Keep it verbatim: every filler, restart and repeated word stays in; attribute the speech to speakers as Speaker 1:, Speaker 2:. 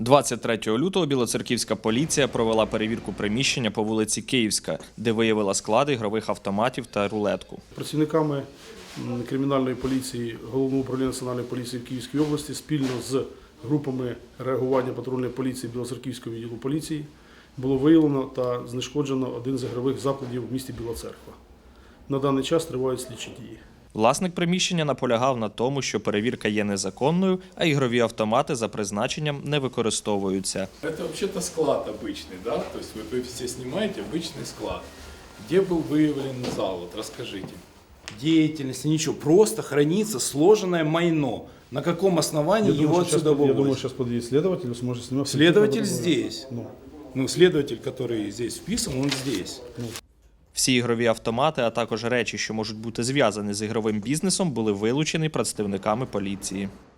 Speaker 1: двадцять третього лютого білоцерківська поліція провела перевірку приміщення по вулиці Київська, де виявила склади ігрових автоматів та рулетку.
Speaker 2: Працівниками кримінальної поліції Головного управління національної поліції в Київській області спільно з групами реагування патрульної поліції Білоцерківського відділу поліції було виявлено та знешкоджено один з ігрових закладів в місті Біла Церква. На даний час тривають слідчі дії.
Speaker 1: Власник приміщення наполягав на тому, що перевірка є незаконною, а ігрові автомати за призначенням не використовуються.
Speaker 3: Это вообще-то склад обычный, да? То есть вы, вы все снимаете обычный склад. Где был выявлен зал? Вот расскажите.
Speaker 4: Деятельности, ничего. Просто хранится сложенное майно. На каком основании
Speaker 2: Я
Speaker 4: его
Speaker 2: думаю,
Speaker 4: отсюда
Speaker 2: сейчас, я думаю,
Speaker 4: вывозят?
Speaker 2: сейчас подъедет следователь и сможет снимать.
Speaker 4: Следователь здесь.
Speaker 2: Ну.
Speaker 4: Ну, следователь, который здесь вписан, он здесь.
Speaker 1: Всі ігрові автомати, а також речі, що можуть бути зв'язані з ігровим бізнесом, були вилучені представниками поліції.